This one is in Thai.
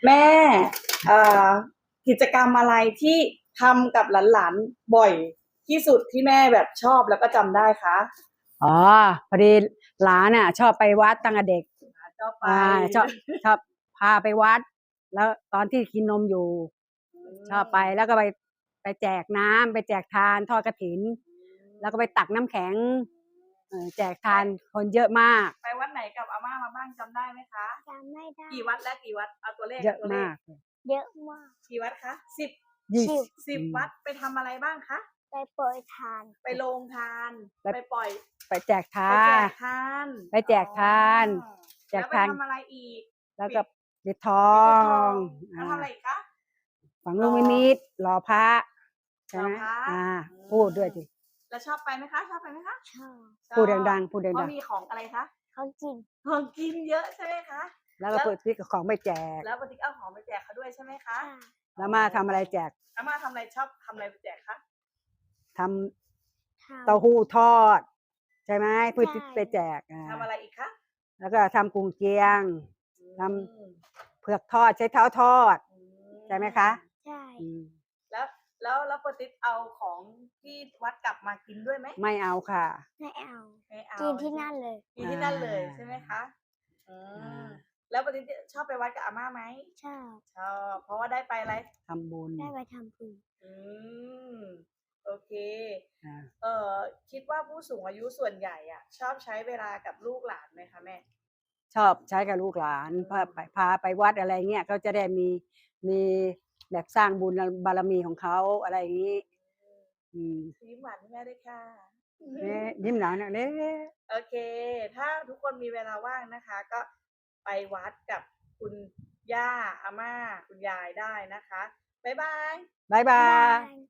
แม่เอ่อกิจกรรมอะไรที่ทำกับหลานๆบ่อยที่สุดที่แม่แบบชอบแล้วก็จำได้คะอ๋อพอดีหลานน่ะชอบไปวัดตั้งแต่เด็กชอบไปชอบพาไปวัดแล้วตอนที่กินนมอยู่ชอบไปแล้วก็ไปแจกน้ำไปแจกทานทอดกฐินแล้วก็ไปตักน้ำแข็งแจกทานคนเยอะมากไปวัดไหนกับอาม่ามาบ้างจำได้ไหมคะจำไม่ได้กี่วัดและกี่วัดเอาตัวเลขเยอะตัวเลขมากเยอะมากกี่วัดคะสิบ 20 วัดไปทำอะไรบ้างคะไปโปรยทานไปโรงทานไปปล่อยไปแจกทาไปแจนกทานไปแจกทานแจแล้วไปกทานทำอะไรอีกแล้วก็ปิดทอปิดทองงแล้วทำอะไรอีกคะฝังลูกนิมิตหล่อพระใช่ไหมหล่อพระพูดด้วยสิแล้วชอบไปไหมคะชอบไปไหมคะชอบพูดดังๆพูดดังๆเพราะมีของอะไรคะเขากินของกินเยอะใช่ไหมคะแล้วก็เปิดที่ของไปแจกแล้วปฏิกเอาของไปแจกเขาด้วยใช่ไหมคะแล้วมาทำอะไรแจกอาม่าทำอะไรชอบทำอะไรไปแจกคะทำเต้าหู้ทอดใช่ไหมเพื่อที่ไปแจกทำอะไรอีกคะแล้วก็ทำกุ้งเจียงทำเผือกทอดใช้เท้าทอดใช่ไหมคะใช่แล้วปฏิกเอาของที่วัดกลับมากินด้วยไหมไม่เอาค่ะไม่เอาไม่เอากินที่นั่นเลยกินที่นั่นเลยใช่ไหมคะแล้วปฏิกชอบไปวัดกับอาม่าไหมชอบชอบเพราะว่าได้ไปอะไรทำบุญได้ไปทำบุญโอเคคิดว่าผู้สูงอายุส่วนใหญ่อ่ะชอบใช้เวลากับลูกหลานไหมคะแม่ชอบใช้กับลูกหลานพาไปวัดอะไรเงี้ยเขาจะได้มีแบบสร้างบุญบารมีของเขาอะไรอย่างนี้ยิ้มหวานให้แม่ด้วยค่ะยิ้มหนาวนะเด้โอเคถ้าทุกคนมีเวลาว่างนะคะก็ไปวัดกับคุณย่าอาม่าคุณยายได้นะคะบ๊ายบายบ๊ายบาย